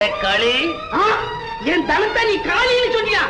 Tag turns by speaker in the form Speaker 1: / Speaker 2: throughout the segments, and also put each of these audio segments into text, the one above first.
Speaker 1: களி என் தனத்தை நீ காளின்னு சொன்னியா?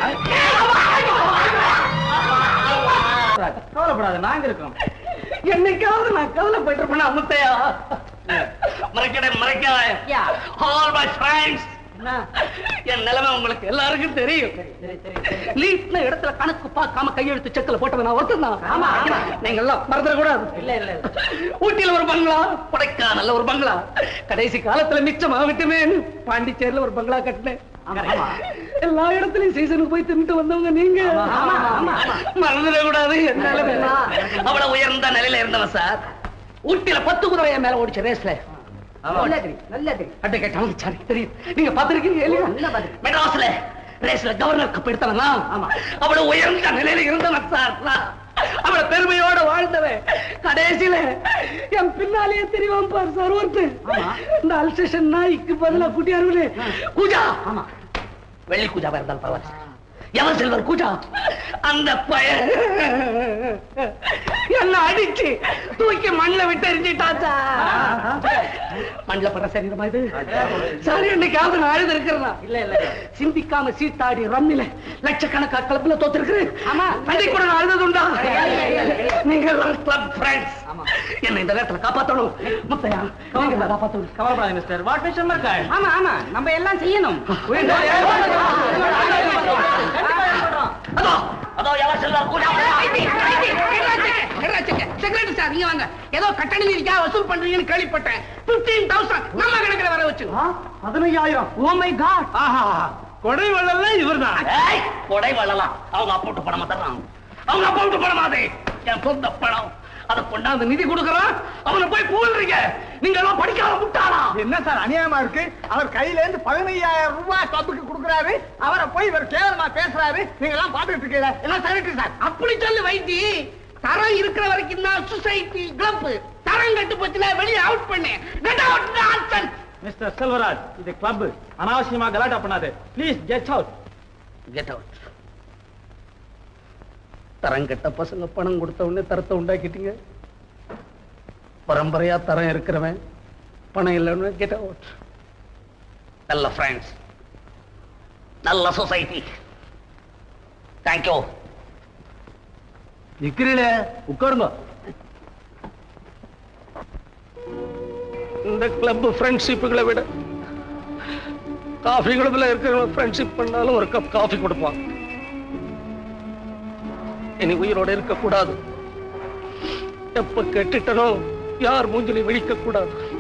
Speaker 2: கவலைப்படாத, நாங்க இருக்கோம்.
Speaker 1: என்னைக்காவது நான் கவலைப்பட்டு இருப்பேன் அமுத்தையா? மறைக்காத. ஆல் மை ஃப்ரெண்ட்ஸ், என் நிலைமை உங்களுக்கு எல்லாருக்கும் தெரியும். லீட்ன இடத்துல கணக்கு பார்க்காம கையெழுத்து செக்கல போட்டவன் நான் ஒருத்தன். நீங்க எல்லாம் மறந்துட கூடாது. இல்ல இல்ல, ஊட்டியில ஒரு பங்களா, கொடைக்கானல்ல ஒரு பங்களா, கடைசி காலத்துல மிச்சமாக விட்டுமே பாண்டிச்சேரியில ஒரு பங்களா கட்டினேன். எல்லா இடத்துலயும் சீசனுக்கு போய் தின்னுட்டு வந்தவங்க நீங்க. மறந்துட கூடாது. என் நிலைமை அவ்வளவு உயர்ந்த நிலையில இருந்தவன் சார். ஊட்டியில 10 குதிரை மேல ஓடிச்ச ரேஸ்ல நீங்க பாத்திருக்கீங்க. மெட்ராஸ்ல ரேஸ்ல கவர்னர் கப் எடுத்தவனா? அவ்வளவு உயர்ந்த நிலையில இருந்தவன் சார். அவளை பெருமையோட வாழ்ந்தவன். கடைசியில என் பின்னாலேயே தெரியும் பார் சார் ஒருத்தர். இந்த அல்சேஷன் நாய்க்கு பதிலா குட்டியாரு கூஜா, வெள்ளி கூஜாவா இருந்தாலும் பரவாயில்ல, எவன் செல்வர் கூஜா, அந்த பையன் என்ன அடிச்சு தூக்கி மண்ணில் விட்டு எரிஞ்சிட்டாச்சா. மண்ணில் படுற சரீரமா இது? சரி, என்னைக்காவது நான் அழுது இருக்கிறேன். இல்ல இல்ல, சிந்திக்காம சீட்டாடி ரம்மில லட்சக்கணக்கா கிளப்ல தோத்திருக்கிறேன். ஆமா, அதை கூட நான் அழுதுண்டா. நீங்க கிளப் ஃப்ரெண்ட்ஸ் என்ன இந்த நேரத்துல காப்பாத்தணும். முத்தையா, காப்பாத்தணும்.
Speaker 2: கவலைப்படாத மிஸ்டர். வாட் மிஷன் இருக்கா?
Speaker 1: ஆமா ஆமா, நம்ம எல்லாம் செய்யணும். ஏதோ கட்டணம் வசூல் பண்றீங்கன்னு கேள்விப்பட்டேன். 15,000 நம்ம கணக்கில் வர வச்சு.
Speaker 2: 15,000. Oh my god. கொடை வள்ளலாம் இவர்தான்.
Speaker 1: கொடை வள்ளலாம் அவங்க அப்பா விட்டு பணமா தர்றாங்க. அவங்க அப்பா விட்டு பணமாதே என் சொந்த பணம். அதை கொண்டாந்து நிதி கொடுக்கறான், அவனை போய் கூழ்றீங்க. நீங்க எல்லாம் படிக்காத முட்டாளா?
Speaker 2: என்ன சார் அநியாயமா இருக்கு? அவர் கையில இருந்து 15,000 ரூபாய் கிளப்புக்கு கொடுக்கறாரு, அவரை போய் இவர் கேவலமா பேசுறாரு. நீங்க எல்லாம் பாத்துட்டு இருக்கீங்க.
Speaker 1: எல்லாம் சரிட்டு சார். அப்படி சொல்லு வைத்தி. தரம் இருக்கிற வரைக்கும் தான் சொசைட்டி கிளப். தரம் கட்டு போச்சுன்னா வெளியே அவுட் பண்ணு. Get out nonsense.
Speaker 2: Mister Selvaraj, இது கிளப். அனாவசியமா கலாட்டா பண்ணாதே. Please get out.
Speaker 1: Get out. தரம் கெட்ட பசங்க பணம் கொடுத்த உடனே தரத்தை உண்டாக்கிட்டீங்க. பரம்பரையா தரம் இருக்கிறவன் பணம் இல்லைன்னு கெட் அவுட். நல்ல ஃப்ரெண்ட்ஸ், நல்ல சொசைட்டி. தேங்க்யூ.
Speaker 2: நிக்கிறீல, உட்காருங்க.
Speaker 1: இந்த கிளப் ஃப்ரெண்ட்ஷிப்புகளை விட காஃபி கிளப்ல இருக்கிற ஃப்ரெண்ட்ஷிப் பண்ணாலும் ஒரு கப் காஃபி கொடுப்பான். இனி உயிரோட இருக்க கூடாது. எப்ப கெட்டுட்டனோ யார் மூஞ்சிலை விழிக்க கூடாது.